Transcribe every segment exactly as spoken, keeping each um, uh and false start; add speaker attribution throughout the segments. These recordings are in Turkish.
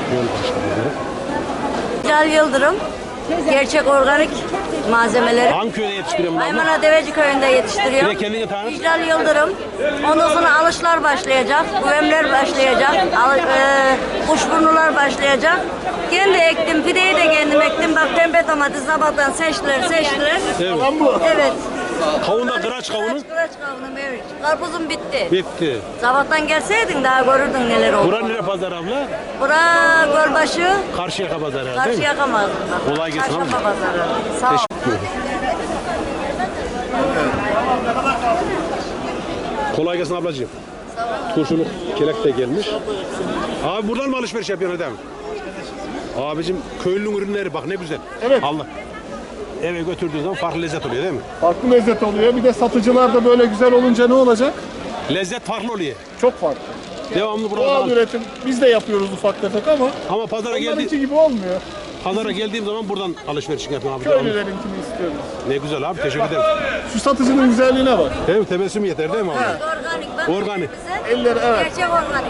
Speaker 1: Cal Yıldırım, gerçek organik malzemeleri.
Speaker 2: Hangi köyde yetiştiriyorum?
Speaker 1: Aymana Deveci köyünde yetiştiriyorum.
Speaker 2: Bir de kendini tanıt.
Speaker 1: Cal Yıldırım. Ondan sonra alışlar başlayacak, güvemler başlayacak, al, e, kuşburnular başlayacak. Kendi ektim, pideyi de kendim ektim. Bak pembe domates sabahtan seçtiler, seçtiler.
Speaker 2: Evet.
Speaker 1: Evet.
Speaker 2: Kavun da kıraç kavunu.
Speaker 1: Kıraç kıraç kavunum evet. Karpuzum bitti.
Speaker 2: Bitti.
Speaker 1: Sabahtan gelseydin daha görürdün neler oldu.
Speaker 2: Bura nere pazar abla?
Speaker 1: Bura Gölbaşı,
Speaker 2: Karşıyaka pazarı değil mi?
Speaker 1: karşı yakamazdım. Bak.
Speaker 2: Kolay gelsin
Speaker 1: Çarşamba
Speaker 2: abi.
Speaker 1: pazarı. Sağ ol.
Speaker 2: Kolay gelsin ablacığım. Turşuluk kelek de gelmiş. Abi buradan mı alışveriş yapıyorsun adam? Abicim köylünün ürünleri bak ne güzel.
Speaker 3: Evet.
Speaker 2: Allah. Eve götürdüğün zaman farklı lezzet oluyor değil mi?
Speaker 3: Farklı lezzet oluyor. Bir de satıcılar da böyle güzel olunca ne olacak?
Speaker 2: Lezzet farklı oluyor.
Speaker 3: Çok farklı.
Speaker 2: Devamlı
Speaker 3: Doğal
Speaker 2: buradan.
Speaker 3: üretim. Biz de yapıyoruz ufak tefek ama
Speaker 2: Ama pazara geldi,
Speaker 3: onlarınki gibi olmuyor.
Speaker 2: pazara geldiğim zaman buradan alışveriş yapıyorum abi. Devamlı.
Speaker 3: Köylülerinkini istiyoruz.
Speaker 2: Ne güzel abi teşekkür ederim.
Speaker 3: Şu satıcının güzelliğine bak.
Speaker 2: Değil mi? Tebessüm yeter değil mi abi?
Speaker 1: Organik bak.
Speaker 2: Organik.
Speaker 1: Güzel.
Speaker 3: Eller evet.
Speaker 1: Gerçek organik.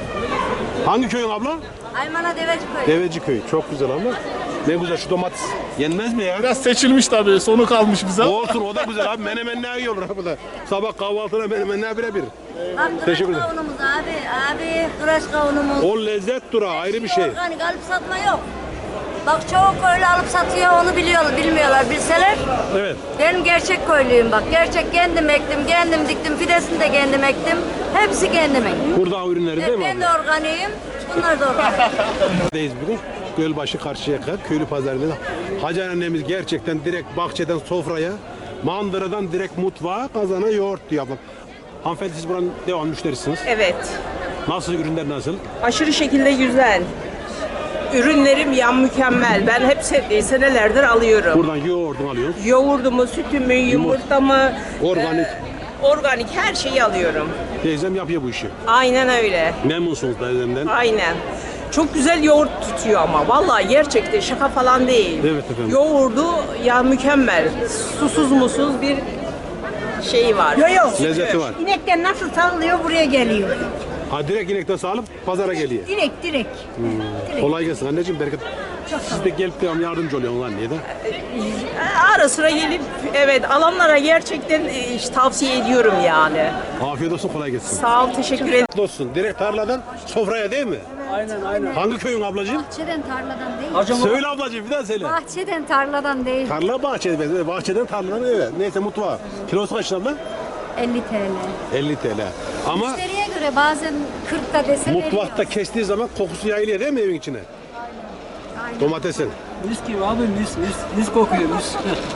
Speaker 2: Hangi köyün abla?
Speaker 1: Aymana Deveci köyü.
Speaker 2: Deveci köyü. Çok güzel abla. Ne güzel şu domates. Yenmez mi ya?
Speaker 3: Biraz seçilmiş tabii. Sonu kalmış bize.
Speaker 2: Olsun o da güzel abi. Menemen ne iyi olur abi da. Sabah kahvaltına menemenler birebir.
Speaker 1: Bak kıraç
Speaker 2: Teşekkür ederim.
Speaker 1: kavunumuz abi. Abi kıraç kavunumuz.
Speaker 2: O lezzet dura ayrı bir şey.
Speaker 1: Organik alıp satma yok. Bak çoğu köylü alıp satıyor onu biliyorlar, bilmiyorlar. Bilseler
Speaker 2: Evet.
Speaker 1: benim gerçek köylüyüm bak. Gerçek kendim ektim, kendim diktim. Fidesini de kendim ektim. Hepsi kendim ektim.
Speaker 2: Burada ürünleri değil mi
Speaker 1: Ben
Speaker 2: abi?
Speaker 1: de organiyim. Bunlar da organik.
Speaker 2: Buradayız bugün. Gölbaşı Karşıyaka köylü pazarında. Hacer annemiz gerçekten direkt bahçeden sofraya, mandıradan direkt mutfağa, kazana yoğurt diyor ablam. Hanımefendi siz buranın devam müşterisiniz.
Speaker 4: Evet.
Speaker 2: Nasıl ürünler nasıl?
Speaker 4: Aşırı şekilde güzel. Ürünlerim yan mükemmel. Ben hep se- senelerdir alıyorum.
Speaker 2: Buradan yoğurdunu alıyoruz.
Speaker 4: Yoğurdumu, sütümü, yumurtamı,
Speaker 2: Organik.
Speaker 4: e, organik her şeyi alıyorum.
Speaker 2: Teyzem yapıyor bu işi.
Speaker 4: Aynen öyle.
Speaker 2: Memnunsunuz teyzemden.
Speaker 4: Aynen. Çok güzel yoğurt tutuyor ama. Vallahi gerçekten şaka falan değil.
Speaker 2: Evet efendim.
Speaker 4: Yoğurdu ya mükemmel. Susuz musuz bir şeyi var.
Speaker 5: Yok yok.
Speaker 2: Lezzeti var.
Speaker 5: İnekten nasıl sağlıyor buraya geliyor.
Speaker 2: Ha direkt inekten sağlıp pazara geliyor.
Speaker 5: Direkt direkt. direkt.
Speaker 2: Kolay gelsin anneciğim bereket. Siz de gelip devam yardımcı oluyorsunuz anneye de.
Speaker 4: Ara sıra gelip evet alanlara gerçekten e, tavsiye ediyorum yani.
Speaker 2: Afiyet olsun kolay gelsin.
Speaker 4: Sağ ol, teşekkür ederim.
Speaker 2: Olsun direkt tarladan sofraya değil mi?
Speaker 6: Aynen aynen.
Speaker 2: Hangi köyün ablacığım?
Speaker 5: Bahçeden tarladan değil.
Speaker 2: Söyle ablacığım bir daha söyle.
Speaker 5: Bahçeden tarladan değil.
Speaker 2: Tarla bahçede, bahçeden tarladan evet. Neyse mutfağa. Kilosu kaç abla?
Speaker 5: elli TL.
Speaker 2: elli T L. Ama
Speaker 5: Müşteriye göre bazen kırk da dese
Speaker 2: mutfakta
Speaker 5: veriyoruz.
Speaker 2: kestiği zaman kokusu yayılıyor değil mi evin içine?
Speaker 5: Aynen.
Speaker 2: Domatesin.
Speaker 6: Mis gibi abi mis mis mis kokuyor mis.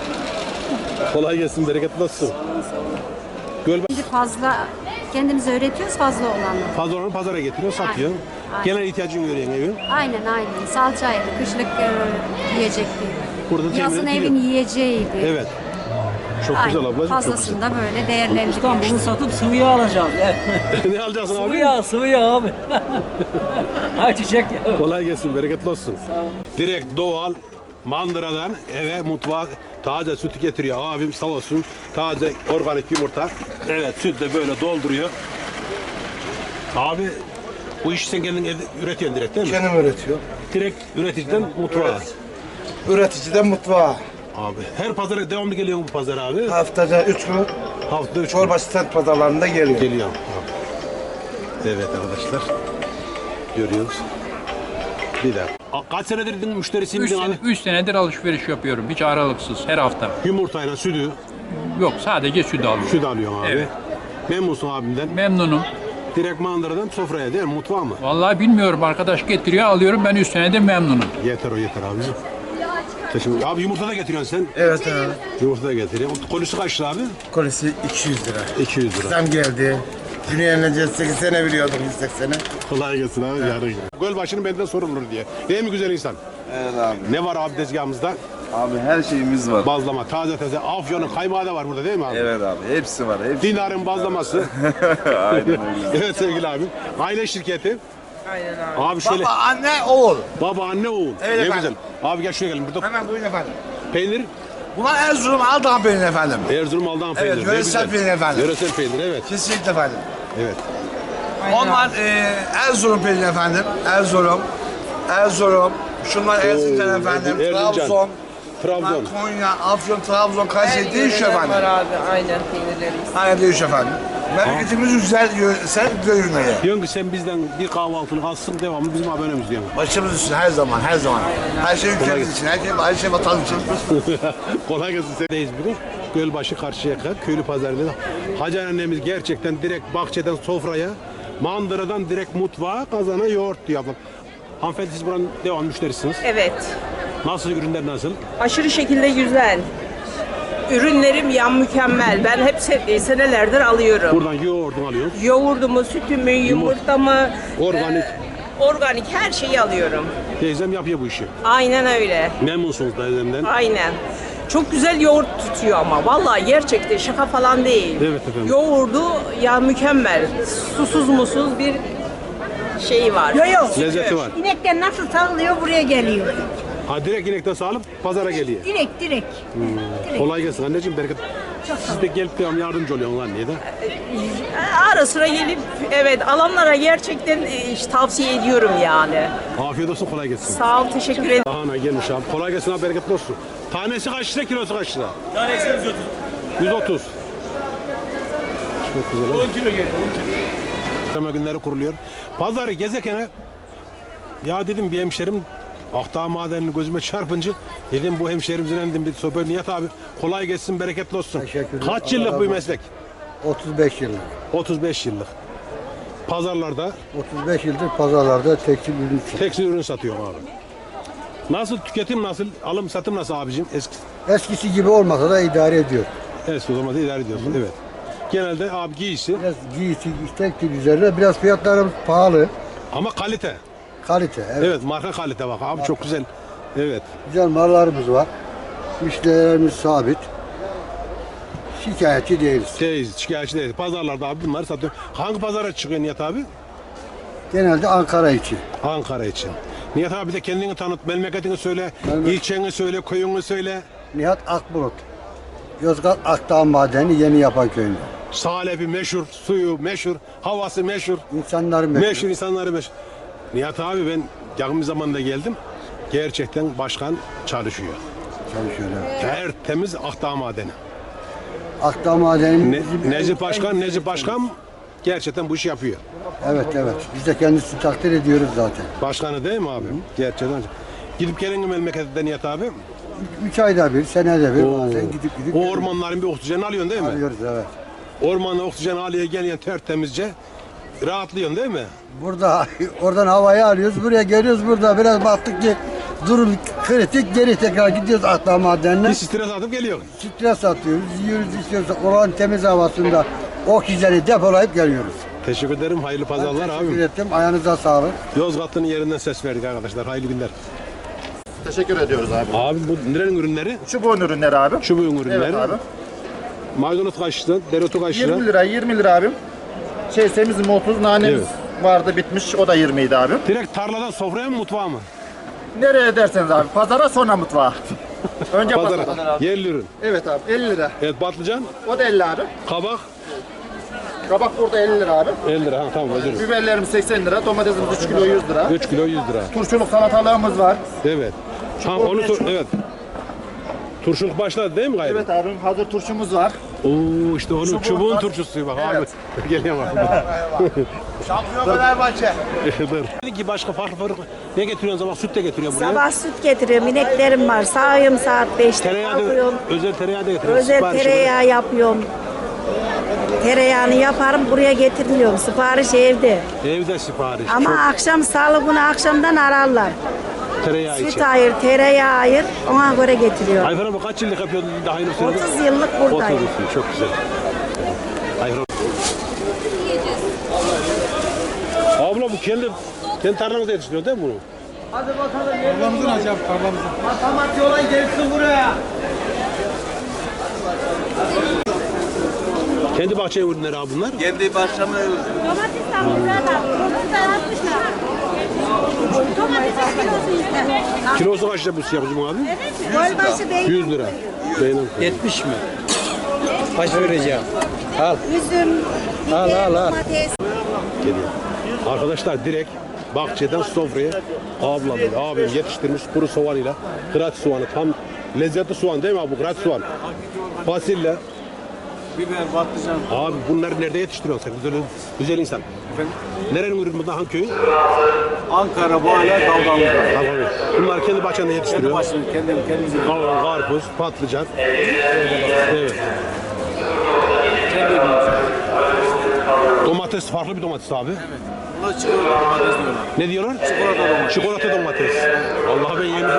Speaker 2: Kolay gelsin, bereketli olsun. Gölbaşı
Speaker 5: Şimdi fazla kendimiz öğretiyoruz fazla olanı.
Speaker 2: fazla olanı pazara getiriyor, satıyor.
Speaker 5: Aynen.
Speaker 2: Genel ihtiyacını görüyorsun evin.
Speaker 5: Aynen aynen. Salçaydı, kışlık e, yiyecekti.
Speaker 2: Burada temin
Speaker 5: Yazın
Speaker 2: ediliyor.
Speaker 5: evin yiyeceğiydi.
Speaker 2: Evet. Çok
Speaker 5: Aynen.
Speaker 2: güzel ablacığım, çok
Speaker 5: Fazlasını da böyle
Speaker 6: Ustam
Speaker 5: değerlendiriyoruz.
Speaker 6: bunu satıp sıvı yağ alacağız.
Speaker 2: güzel. Ne alacaksın
Speaker 6: sıvı
Speaker 2: abi?
Speaker 6: yağ sıvı yağ abi. Ayçiçek yağı.
Speaker 2: Kolay gelsin, bereketli olsun. Direkt doğal mandıradan eve mutfağa taze sütü getiriyor. Abim sağ olsun. Taze organik yumurta. Evet süt de böyle dolduruyor. Abi bu işi sen kendin evde üretiyorsun direkt değil mi?
Speaker 7: Kendim üretiyor.
Speaker 2: Direkt üreticiden mutfağa.
Speaker 7: Üreticiden mutfağa.
Speaker 2: Abi her pazara devamlı geliyor bu pazar abi.
Speaker 7: Haftada üç gün
Speaker 2: Haftada üç gün
Speaker 7: çorba stand pazarlarında geliyor.
Speaker 2: geliyor. Evet arkadaşlar. Görüyoruz. Bir daha. A- Kaç senedir din müşterisi
Speaker 8: Üç,
Speaker 2: miydin abi?
Speaker 8: sene, üç senedir alışveriş yapıyorum. Hiç aralıksız her hafta.
Speaker 2: Yumurtayla sütü,
Speaker 8: Yok sadece süt alıyorum.
Speaker 2: süt alıyorsun abi.
Speaker 8: Evet.
Speaker 2: Memnunsun abimden.
Speaker 8: Memnunum.
Speaker 2: Direkt mandıradan sofraya değil mi? Mutfağa mı?
Speaker 8: Vallahi bilmiyorum arkadaş getiriyor alıyorum ben üç senedir memnunum.
Speaker 2: Yeter o yeter abicim. Teşekkür. Abi yumurta da getiriyorsun sen.
Speaker 7: Evet abi.
Speaker 2: Yumurta da getiriyorsun. Kolisi kaç lira abi?
Speaker 7: Kolisi iki yüz lira.
Speaker 2: iki yüz lira.
Speaker 7: Zam geldi. Dünya'nın sekiz sene biliyordum yüz seksene.
Speaker 2: Kolay gelsin abi. Yarın. Gölbaşı'nın benden sorulur diye. Değil mi güzel insan?
Speaker 9: Evet abi.
Speaker 2: Ne var abi tezgahımızda?
Speaker 9: Abi her şeyimiz var.
Speaker 2: Bazlama, taze taze. Afyon'un kaymağı da var burada değil mi abi?
Speaker 9: Evet abi. Hepsi var. Hepsi.
Speaker 2: Dinar'ın bazlaması.
Speaker 9: Aynen öyle.
Speaker 2: Evet sevgili abim. Aile şirketi.
Speaker 4: Aynen abi.
Speaker 2: Abi şöyle.
Speaker 7: Baba, anne, oğul.
Speaker 2: Baba, anne, oğul.
Speaker 7: Evet
Speaker 2: ne
Speaker 7: efendim.
Speaker 2: güzel. Abi gel şuraya gelin. Burada
Speaker 7: Hemen buyurun efendim.
Speaker 2: peynir.
Speaker 7: Bunlar Erzurum Aldan peyniri efendim.
Speaker 2: Erzurum Aldan peyniri.
Speaker 7: Evet,
Speaker 2: Ne
Speaker 7: yöresel
Speaker 2: güzel.
Speaker 7: peynir efendim.
Speaker 2: Yöresel peynir evet.
Speaker 7: Kesinlikle efendim.
Speaker 2: Evet.
Speaker 7: Onlar e, Erzurum peyniri efendim. Erzurum. Erzurum, şunlar Erzincan efendim,
Speaker 2: Erzincan.
Speaker 7: Trabzon,
Speaker 2: Trabzon.
Speaker 7: Konya, Afyon, Trabzon, Kayseri değişiyor efendim.
Speaker 4: Var abi, aynen peynirleriyiz.
Speaker 7: Aynen değişiyor efendim. Memleketimiz güzel, sen güzel ürünleri.
Speaker 2: Diyorsun ki sen bizden bir kahvaltılık alsın devamlı bizim abonemiz diyorsun.
Speaker 7: Başımız için her zaman, her zaman. Her şey ülkemiz için, her şey, her şey vatan için.
Speaker 2: Kolay gelsin. Sendeyiz bugün. Gölbaşı Karşıyaka köylü pazarında. Hacer annemiz gerçekten direkt bahçeden sofraya, mandıradan direkt mutfağa, kazana yoğurt diyor ablam. Hanımefendi siz buranın devam müşterisiniz.
Speaker 4: Evet.
Speaker 2: Nasıl ürünler nasıl?
Speaker 4: Aşırı şekilde güzel. Ürünlerim yan mükemmel. Ben hep se- senelerdir alıyorum.
Speaker 2: Buradan yoğurdunu alıyoruz.
Speaker 4: Yoğurdumu, sütümü, yumurtamı,
Speaker 2: Organik.
Speaker 4: e, organik her şeyi alıyorum.
Speaker 2: Teyzem yapıyor bu işi.
Speaker 4: Aynen öyle.
Speaker 2: Memnunsunuz teyzemden.
Speaker 4: Aynen. Çok güzel yoğurt tutuyor ama. Vallahi gerçekten şaka falan değil.
Speaker 2: Evet efendim.
Speaker 4: Yoğurdu ya mükemmel. Susuz musuz bir şey var.
Speaker 10: Yok yok.
Speaker 2: Lezzeti var.
Speaker 10: İnekten nasıl sağlıyor buraya geliyor.
Speaker 2: Ha direkt inekten sağlıp pazara geliyor.
Speaker 10: Direkt direkt.
Speaker 2: Kolay gelsin anneciğim, bereket. Siz de gelip devam yardımcı oluyorsunuz anneye de.
Speaker 4: Ara sıra gelip evet alanlara gerçekten e, tavsiye ediyorum yani.
Speaker 2: Afiyet olsun, kolay gelsin.
Speaker 4: Sağ ol, teşekkür ederim.
Speaker 2: Lahana gelmiş abi. Kolay gelsin abi, bereketli olsun. Tanesi kaç lira, kilosu kaç lira? Tanesi yüz otuz. yüz otuz. Çok güzel. on kilo geldi. Perşembe günleri kuruluyor. Pazarı gezekene ya dedim bir hemşerim Akdağ madenini gözüme çarpınca dedim bu hemşerimizin dedim bir sohbet Nihat abi kolay gelsin, bereketli olsun.
Speaker 11: Teşekkürler.
Speaker 2: Kaç yıllık bu meslek?
Speaker 11: otuz beş yıllık.
Speaker 2: otuz beş yıllık. Pazarlarda
Speaker 11: otuz beş yıldır pazarlarda tekstil ürün satıyor.
Speaker 2: tekstil ürün satıyor abi. Nasıl tüketim, nasıl alım satım nasıl abicim? Eski
Speaker 11: Eskisi gibi olmasa da idare ediyor.
Speaker 2: eski o zaman da idare ediyorsun. Evet. Genelde abi giysi
Speaker 11: Biraz giysi, tekstil üzerine biraz fiyatlarımız pahalı.
Speaker 2: ama kalite.
Speaker 11: Kalite. Evet.
Speaker 2: Evet, marka kalite bak abi, çok güzel. Evet.
Speaker 11: Güzel mallarımız var. Müşterilerimiz sabit. Şikayetçi değiliz.
Speaker 2: Şey, şikayetçi değil. Pazarlarda abi bunları satıyor. Hangi pazara çıkıyor Nihat abi?
Speaker 11: Genelde Ankara için.
Speaker 2: Ankara için. Nihat abi de kendini tanıt, memleketini söyle,
Speaker 11: Memleket-
Speaker 2: ilçeni söyle, köyünü söyle.
Speaker 11: Nihat Akbulut. Yozgat Akdağ Madeni Yeni Yapan Köyü'nde.
Speaker 2: Salebi meşhur, suyu meşhur, havası meşhur,
Speaker 11: İnsanları meşhur.
Speaker 2: meşhur insanları meşhur. Nihat abi ben yakın bir zamanda geldim. Gerçekten başkan çalışıyor.
Speaker 11: Çalışıyor. Evet.
Speaker 2: Tertemiz Akdağ Madeni.
Speaker 11: Akdağ Madeni.
Speaker 2: Ne, Necip Başkan, Necip Başkan gerçekten bu işi yapıyor.
Speaker 11: Evet evet. Biz de kendisini takdir ediyoruz zaten.
Speaker 2: Başkanı değil mi abi? Gerçekten. Gidip gelin mi memlekette Nihat abi?
Speaker 11: Üç ayda bir, senede bir
Speaker 2: Oo.
Speaker 11: bazen gidip gidip
Speaker 2: O ormanların bir oksijen alıyorsun değil mi?
Speaker 11: alıyoruz evet.
Speaker 2: Ormanda oksijen alıyor geliyorsun tertemizce. Rahatlıyorsun değil mi?
Speaker 11: Burada oradan havayı alıyoruz, buraya geliyoruz, burada biraz baktık ki durum kritik, geri tekrar gidiyoruz Akdağ Madeni'ne.
Speaker 2: Bir stres atıp geliyor.
Speaker 11: Stres atıyoruz, yiyoruz, içiyoruz, olan temiz havasında oksijeni depolayıp geliyoruz.
Speaker 2: Teşekkür ederim. Hayırlı pazarlar
Speaker 11: Teşekkür
Speaker 2: abi.
Speaker 11: ettim, ayağınıza sağlık.
Speaker 2: Yozgat'ın yerinden ses verdik arkadaşlar. Hayırlı günler.
Speaker 3: Teşekkür ediyoruz abi.
Speaker 2: Abi bu nerenin ürünleri?
Speaker 3: Çubuğun ürünleri abi.
Speaker 2: Çubuğun ürünleri.
Speaker 3: Evet abi.
Speaker 2: Maydanoz kaç lira? Dereotu kaç lira?
Speaker 3: yirmi lira, yirmi lira abim. Şey semizim otuz, nanemiz
Speaker 2: Evet.
Speaker 3: vardı bitmiş, o da yirmi idi abi.
Speaker 2: Direkt tarladan sofraya mı mutfağa mı?
Speaker 3: Nereye derseniz abi, pazara sonra mutfağa. Önce pazara.
Speaker 2: Pazara. Yerli ürün.
Speaker 3: Evet abi, elli lira.
Speaker 2: Evet, patlıcan,
Speaker 3: O da elli abi.
Speaker 2: kabak
Speaker 3: Kabak burada elli lira abi.
Speaker 2: elli lira. Ha, tamam özür dilerim.
Speaker 3: Biberlerimiz seksen lira, domatesimiz üç kilo yüz lira.
Speaker 2: üç kilo yüz lira.
Speaker 3: Turşuluk salatalığımız var.
Speaker 2: Evet. Ha, onu tur- evet. Turşuluk başladı değil mi gayrı?
Speaker 3: Evet abim, hazır turşumuz var.
Speaker 2: Oo işte onun
Speaker 3: Çubuğun
Speaker 2: çubuğun
Speaker 3: var.
Speaker 2: turşusu bak
Speaker 3: Evet.
Speaker 2: abi. Geliyor bak.
Speaker 7: Şampiyon Fenerbahçe.
Speaker 2: Dur. Dedi ki başka farklı farklı ne getiriyorsun sabah? Süt de getiriyor buraya.
Speaker 10: Sabah süt getiriyorum. İneklerim var. Sağıyorum saat beşte.
Speaker 2: Tereyağı da,
Speaker 10: Kalkıyorum.
Speaker 2: özel tereyağı da getiriyor.
Speaker 10: Özel
Speaker 2: Siparişi
Speaker 10: tereyağı yapıyorum. Tereyağını yaparım buraya getirmiyorum. Sipariş evde.
Speaker 2: var. Evde sipariş.
Speaker 10: Ama
Speaker 2: Çok
Speaker 10: akşam salı günü akşamdan ararlar.
Speaker 2: tereyağı için.
Speaker 10: Süt ayır, tereyağı ayır. Ona göre getiriyorum.
Speaker 2: Ayfer abi kaç yıllık yapıyordun daha yeni söyledin?
Speaker 10: otuz yıllık buradayım.
Speaker 2: otuz yıl, çok güzel. Ayfer abi. Abla bu kendi kendi tarlamızda yetiştiriyor değil mi bunu?
Speaker 3: Tarlamızın acaba tarlamızın. Matematik olan gelsin buraya.
Speaker 2: Kendi bahçe ürünleri abi bunlar.
Speaker 9: Kendi başlamı
Speaker 5: Domates almışlar da. Domates altmışlar. Domates kilosu işte.
Speaker 2: Kilosu kaç lira bu siyah bizim abi?
Speaker 10: Gölbaşı değil.
Speaker 2: yüz lira. Benim.
Speaker 6: yetmiş mi? Kaç vereceğim? Al.
Speaker 10: Üzüm,
Speaker 6: Al,
Speaker 10: biber,
Speaker 6: al, al.
Speaker 10: domates.
Speaker 2: Geliyor. Arkadaşlar direkt bahçeden sofraya ablam, abim yetiştirmiş kuru soğanıyla, kıraç soğanı, tam lezzetli soğan değil mi abi bu kıraç soğan? Fasulye.
Speaker 3: Biber, patlıcan.
Speaker 2: Abi bunları nerede yetiştiriyorsun sen? Güzel, güzel insan. Nerenin ürünü bundan, hangi köyün?
Speaker 3: Ankara, Bağlar, Dalgalı.
Speaker 2: Tamam. Bunlar kendi bahçende
Speaker 3: Kendi
Speaker 2: yetiştiriyor.
Speaker 3: başını, kendim, kendimize.
Speaker 2: Kavun, karpuz, patlıcan. Evet. Domates farklı bir domates abi.
Speaker 3: Evet. Buna çikolata domates diyorlar.
Speaker 2: Ne diyorlar?
Speaker 3: Çikolata domates.
Speaker 2: Çikolata domates. Vallahi ben yemedim.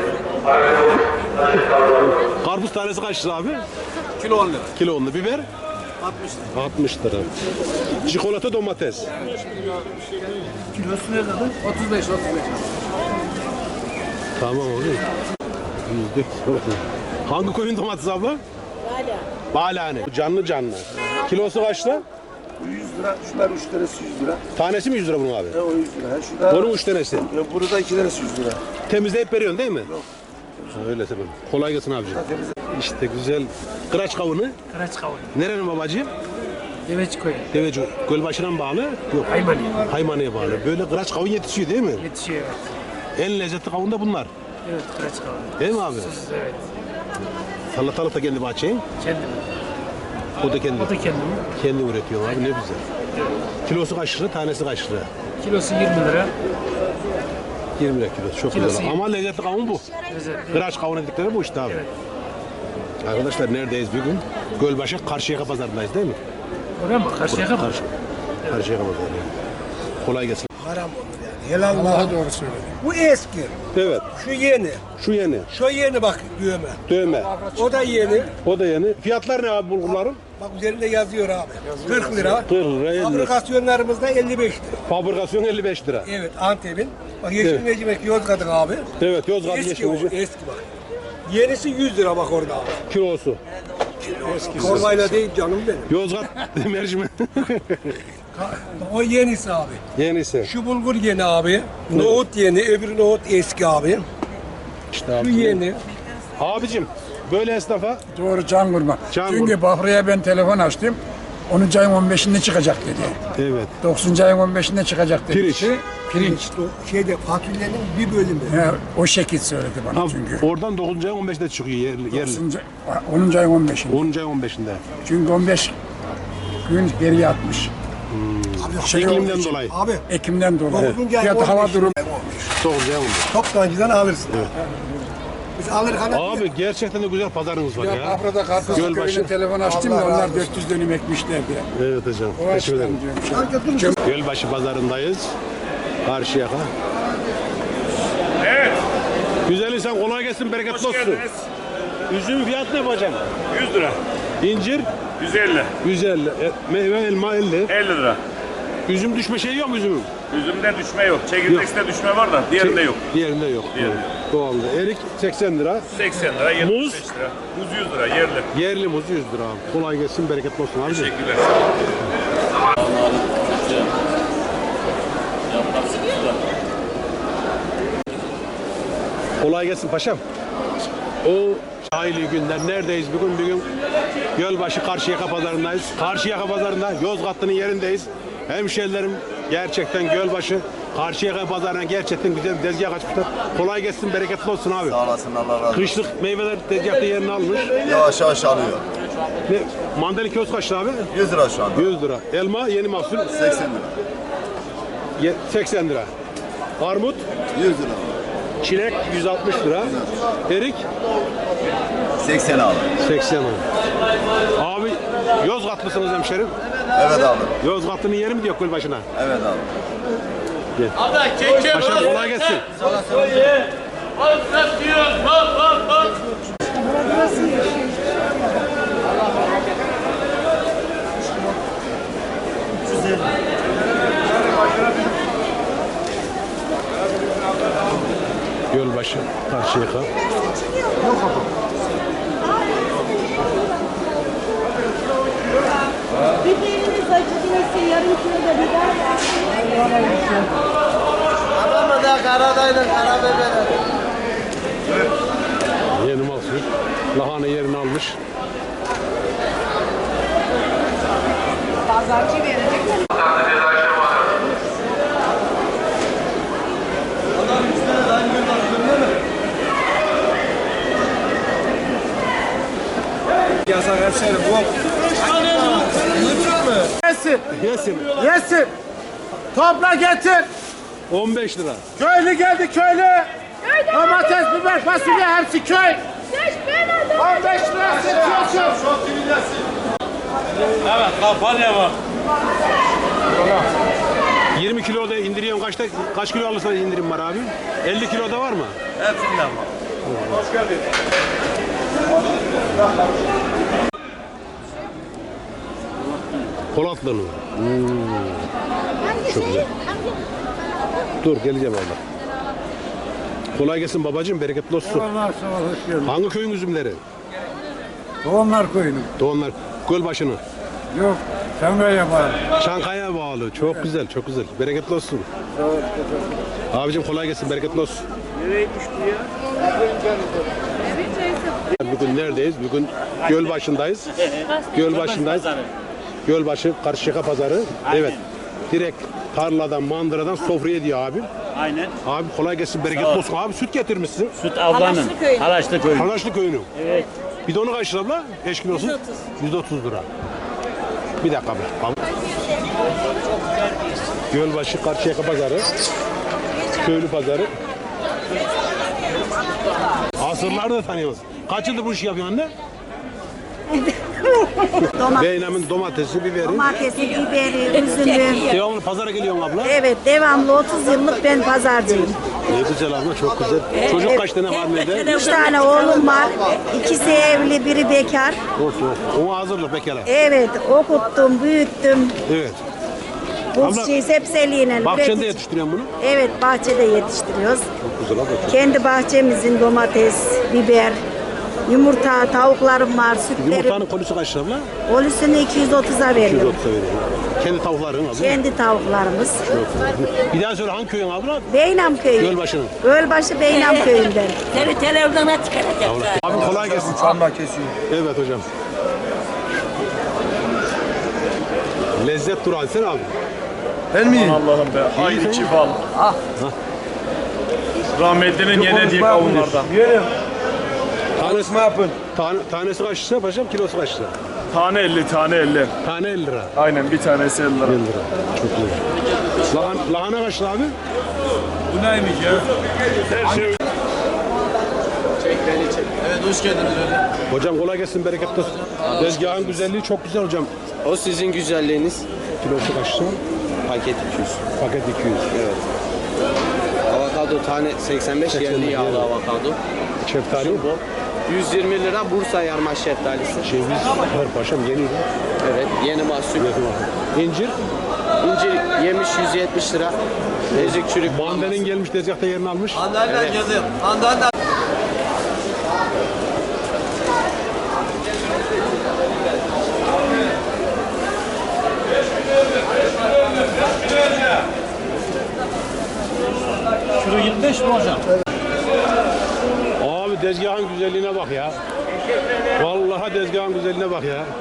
Speaker 2: Karpuz tanesi kaç lira abi?
Speaker 3: Kilo on lira.
Speaker 2: Kilo onlu. Biber?
Speaker 3: altmış lira.
Speaker 2: altmış lira. Çikolata domates.
Speaker 3: Kilosu ne kadar? otuz beş, otuz beş.
Speaker 2: Tamam oğlum. Yüzde. Hangi koyun domatesi abla? Bala. Balane. Canlı canlı. Kilosu kaç lira?
Speaker 7: yüz lira, şunlar üç tanesi yüz lira.
Speaker 2: Tanesi mi yüz lira bunun abi?
Speaker 7: E o yüz lira. Ha, şurada,
Speaker 2: Onun üç tanesi.
Speaker 7: ya burada iki tanesi yüz lira.
Speaker 2: Temizleyip veriyorsun değil mi? Yok. Öyle tabii. Kolay gelsin abicim. İşte güzel. Kıraç kavunu.
Speaker 6: Kıraç kavun.
Speaker 2: Nerenin babacığım?
Speaker 6: Deveç koyu.
Speaker 2: Deveci. Gölbaşı'na mı bağlı? Yok.
Speaker 6: Haymani.
Speaker 2: Haymani'ye bağlı. Böyle kıraç kavun yetişiyor değil mi?
Speaker 6: Yetişiyor evet.
Speaker 2: En lezzetli kavun da bunlar.
Speaker 6: Evet kıraç kavun.
Speaker 2: Değil mi abi?
Speaker 6: Susuz evet.
Speaker 2: Salatalık da kendi bahçeyin.
Speaker 6: Kendim.
Speaker 2: O da kendi.
Speaker 6: O da kendim.
Speaker 2: Kendi üretiyor abi ne güzel. Kilosu kaç lira? Tanesi kaç lira?
Speaker 6: Kilosu yirmi lira.
Speaker 2: yirmi lira kilosu. Çok
Speaker 6: Kilosu
Speaker 2: güzel.
Speaker 6: yirmi.
Speaker 2: Ama lezzetli kavun bu.
Speaker 6: Lezzetli.
Speaker 2: Kıraç kavun dedikleri bu işte abi.
Speaker 6: Evet.
Speaker 2: Arkadaşlar neredeyiz bugün? Gölbaşı Karşıyaka pazarındayız değil mi?
Speaker 6: Oraya mı? Karşıya mı?
Speaker 2: Karşı. Karşıyaka pazarı. Kolay gelsin.
Speaker 11: Haram olur yani. Helal Allah'a doğru söyledim. Bu eski.
Speaker 2: Evet.
Speaker 11: Şu yeni.
Speaker 2: Şu yeni.
Speaker 11: Şu yeni bak düğme.
Speaker 2: Dövme.
Speaker 11: O da yeni.
Speaker 2: O da yeni. Fiyatlar ne abi bulgurların?
Speaker 11: Bak üzerinde yazıyor abi. kırk lira.
Speaker 2: kırk lira, elli lira.
Speaker 11: Fabrikasyonlarımızda elli beş lira.
Speaker 2: Fabrikasyon elli beş lira.
Speaker 11: Evet Antep'in. Bak Yeşil
Speaker 2: Evet.
Speaker 11: Mercimek Yozgat'ın abi.
Speaker 2: Evet Yozgat
Speaker 11: Eski o,
Speaker 2: geçmeci.
Speaker 11: eski bak. Yenisi yüz lira bak orada abi.
Speaker 2: Kilosu.
Speaker 11: Kormayla değil canım benim.
Speaker 2: Yozgat mercimek.
Speaker 11: O yenisi abi.
Speaker 2: Yenisi.
Speaker 11: Şu bulgur yeni abi. Nohut yeni, öbür nohut eski abi.
Speaker 2: İşte abi.
Speaker 11: Şu yeni.
Speaker 2: Abicim böyle esnafa
Speaker 8: Doğru can kurma.
Speaker 2: Can
Speaker 8: Çünkü
Speaker 2: kurma.
Speaker 8: Bahriye ben telefon açtım. onuncu ayın on beşinde çıkacak dedi.
Speaker 2: evet.
Speaker 8: dokuzuncu ayın on beşinde çıkacak dedi.
Speaker 2: Pirinç.
Speaker 8: Pirinç.
Speaker 11: O şeyde fasulyenin bir bölümü.
Speaker 8: He, o şekil söyledi bana
Speaker 2: Ha,
Speaker 8: çünkü.
Speaker 2: oradan dokuzuncu ayın on beşinde çıkıyor yerli. yerli.
Speaker 8: dokuzuncu onuncu ayın on beşinde.
Speaker 2: onuncu ayın on beşinde.
Speaker 8: Çünkü on beş gün geriye atmış. Şey
Speaker 2: İklimden
Speaker 8: olduğu için,
Speaker 2: dolayı.
Speaker 11: Abi
Speaker 8: Ekimden dolayı.
Speaker 11: dokuzuncu ayın
Speaker 8: Ya da
Speaker 11: on
Speaker 8: hava
Speaker 11: beşi
Speaker 8: durumu.
Speaker 2: dokuzuncu ayın on beşi.
Speaker 11: toptancıdan alırsın. Biz alırken
Speaker 2: Abi gerçekten de güzel pazarınız var
Speaker 8: Ya
Speaker 2: ya.
Speaker 8: Afra'da Karpuzlu
Speaker 2: Gölbaşı.
Speaker 8: köyüne telefon açtım da onlar dört yüz dönüm ekmişlerdi.
Speaker 2: Evet hocam.
Speaker 8: O
Speaker 2: Teşekkür ederim.
Speaker 8: açıdan diyorum. Şey.
Speaker 2: Gölbaşı pazarındayız. Karşıyaka. Evet. Güzel insan kolay gelsin, bereketli olsun. Üzüm fiyat ne hocam?
Speaker 12: yüz lira.
Speaker 2: İncir
Speaker 12: yüz elli.
Speaker 2: yüz elli. E, meyve elma elli.
Speaker 12: elli lira.
Speaker 2: Üzüm düşme şeyi yok mu üzümün?
Speaker 12: Üzümde düşme yok. Çekirdekte düşme var da diğerinde yok.
Speaker 2: Diğerinde yok.
Speaker 12: Diğerinde.
Speaker 2: Doğalda. Erik seksen lira.
Speaker 12: seksen lira, yetmiş beş lira. Muz yüz lira yerli.
Speaker 2: Yerli muz yüz lira abi. Kolay gelsin, bereketli olsun abi.
Speaker 12: Teşekkürler.
Speaker 2: Kolay gelsin paşam. O hayırlı günler. Neredeyiz bugün? Bugün Gölbaşı Karşıyaka pazarındayız. Karşıyaka pazarında Yozgatlı'nın yerindeyiz. Hemşehrilerim gerçekten Gölbaşı Karşıyaka pazarına gerçekten güzel bir tezgah açmışlar. Kolay gelsin, bereketli olsun abi.
Speaker 9: Sağ olasın, Allah razı olsun.
Speaker 2: Kışlık meyveler tezgahta yerini almış.
Speaker 9: Yavaş yavaş alıyor.
Speaker 2: Ne? Mandalina kilosu kaç lira abi?
Speaker 9: yüz lira şu anda.
Speaker 2: yüz lira. Elma yeni mahsul
Speaker 9: seksen lira.
Speaker 2: ye- seksen lira. Armut,
Speaker 9: yüz lira.
Speaker 2: çilek yüz altmış lira. Erik
Speaker 9: seksen abi.
Speaker 2: seksen lira. Abi Yozgatlısınız hemşerim.
Speaker 9: Evet abi.
Speaker 2: Yozgatlı'nın yeri mi diyor Gölbaşı'na?
Speaker 9: Evet abi.
Speaker 2: Paşam kolay gelsin. Gölbaşı, Karşıyaka.
Speaker 10: Biberimiz acı değilse yarım kilo da biber.
Speaker 11: Adamı da karadayla karabiberi.
Speaker 2: Yeni mahsul. Lahana yerini almış.
Speaker 10: Pazarcı verecek.
Speaker 3: Hemşerim bu. Yesin.
Speaker 2: Yesin.
Speaker 3: Yesin. Topla getir.
Speaker 2: on beş lira.
Speaker 3: Köylü geldi köylü. Domates, biber, fasulye hepsi köy. on beş lira seçiyorsun.
Speaker 12: Evet, kampanya var.
Speaker 2: yirmi kiloda indiriyorum. Kaçta kaç kilo alırsan indirim var abi? elli kiloda var mı?
Speaker 12: Hepsinden var.
Speaker 2: Hoş geldin. Polatlı mı? Hmm. Çok güzel. Dur geleceğim abla. Kolay gelsin babacığım, bereketli olsun.
Speaker 8: Allah sağ ol, hoş geldin.
Speaker 2: Hangi köyün üzümleri?
Speaker 8: Doğumlar koyunum.
Speaker 2: Doğanlar Gölbaşı'nı.
Speaker 8: Yok, Çankaya var.
Speaker 2: Çankaya bağlı. Çok güzel, çok güzel. Bereketli olsun. Abicim kolay gelsin, bereketli olsun.
Speaker 12: Nereye düştü ya?
Speaker 2: Bugün neredeyiz? Bugün Gölbaşı'ndayız. Gölbaşı'ndayız. Gölbaşı Karşıyaka Pazarı. Evet. Direkt tarladan, mandıradan sofraya diyor abim.
Speaker 12: Aynen.
Speaker 2: Abi kolay gelsin, bereketli olsun. Abi süt getirmişsin.
Speaker 12: Süt ablanın. Halaşlı köyü.
Speaker 2: Halaşlı köyünün.
Speaker 12: Evet.
Speaker 2: Bidonu kaç lira abla? beş kilosu? yüz otuz lira. Bir dakika abla. Tamam. Gölbaşı Karşıyaka Pazarı. Köylü Pazarı. Asırları da tanıyoruz. Kaç yıldır bu işi yapıyorsun anne? Beynam'ın domatesi, biberi.
Speaker 10: Domatesi, biberi, üzümü.
Speaker 2: Devamlı pazara geliyorsun abla.
Speaker 10: Evet, devamlı otuz yıllık ben pazarcıyım.
Speaker 2: Ne güzel abla, çok güzel. Çocuk kaç tane var evde?
Speaker 10: Üç tane oğlum var. İkisi evli, biri bekar.
Speaker 2: Olsun olsun. Onu hazırlık bekara.
Speaker 10: Evet, okuttum, büyüttüm.
Speaker 2: Evet.
Speaker 10: Bu
Speaker 2: Abla,
Speaker 10: şey sebzeliğine.
Speaker 2: Bahçende
Speaker 10: üretici-
Speaker 2: yetiştiriyorsun bunu. çok
Speaker 10: Evet, bahçede yetiştiriyoruz.
Speaker 2: güzel abla. Çok.
Speaker 10: Kendi bahçemizin domates, biber, yumurta, tavuklarım var, sütlerim.
Speaker 2: Yumurtanın kolisi kaç lira abla?
Speaker 10: Olusunu iki yüz otuza
Speaker 2: iki yüz
Speaker 10: veriyorum.
Speaker 2: otuz'a veriyorum. Kendi tavukların abla.
Speaker 10: Kendi tavuklarımız.
Speaker 2: Bir daha söyle hangi köyün abla?
Speaker 10: Beynam köyü.
Speaker 2: Gölbaşı'nın.
Speaker 10: Gölbaşı Beynam köyünden.
Speaker 1: Seni televizyona çıkaracak.
Speaker 2: Abi kolay gelsin.
Speaker 8: Çamla kesiyor.
Speaker 2: Evet hocam. Lezzet durağı sen abi.
Speaker 8: Ben miyim?
Speaker 12: Allah'ım be. Aynı çift al.
Speaker 8: Ah.
Speaker 12: Rahmetlinin yenediği kavunlardan.
Speaker 8: Yerim.
Speaker 2: Tanesi,
Speaker 8: yapın.
Speaker 2: tane, tanesi kaç lira paşam? Kilosu kaç lira?
Speaker 12: Tane elli, tane elli.
Speaker 2: Tane elli lira.
Speaker 12: Aynen bir tanesi elli lira.
Speaker 2: elli lira. Çok iyi. Lahan, lahana kaç lira abi?
Speaker 8: Bu neymiş ya?
Speaker 12: Her şey
Speaker 9: Evet hoş geldiniz öyle.
Speaker 2: Hocam kolay gelsin, bereketli olsun. Tezgahın güzelliği çok güzel hocam.
Speaker 13: O sizin güzelliğiniz.
Speaker 2: Kilosu kaç lira?
Speaker 13: Paket iki yüz.
Speaker 2: Paket iki yüz.
Speaker 13: Evet. Avokado tane seksen beş,
Speaker 2: seksen beş
Speaker 13: yerli yağlı
Speaker 2: yerli.
Speaker 13: avokado.
Speaker 2: Şeftali.
Speaker 13: Bu yüz yirmi lira Bursa yarma şeftalisi.
Speaker 2: Ceviz var paşam, yeni.
Speaker 13: Evet, yeni mahsul.
Speaker 2: İncir.
Speaker 13: İncir yemiş yüz yetmiş lira. Ezik çürük.
Speaker 2: Mandalin gelmiş, tezgahta yerini almış.
Speaker 9: Andalina yazayım. Andalina.
Speaker 12: Kilo yirmi beş mi hocam?
Speaker 2: Abi tezgahın güzelliğine bak ya. Vallahi tezgahın güzelliğine bak ya.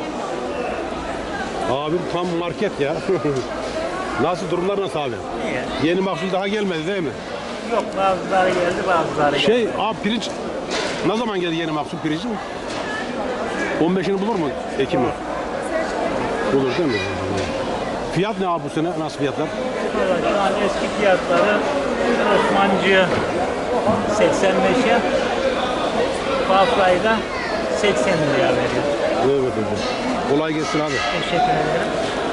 Speaker 2: Abim tam market ya. Nasıl durumlar nasıl abi? İyi. Yeni mahsul daha gelmedi değil mi?
Speaker 6: Yok, bazıları geldi, bazıları geldi.
Speaker 2: Şey abi pirinç ne zaman geldi yeni mahsul pirincin? on beşini bulur mu Ekim'i? Bulur değil mi? Fiyat ne abi bu sene? Nasıl fiyatlar?
Speaker 6: Şu an eski fiyatları Osmancı'ya seksen beşe, Bafra'yı da seksen liraya veriyor.
Speaker 2: Evet hocam. Kolay gelsin abi.
Speaker 6: Teşekkür ederim.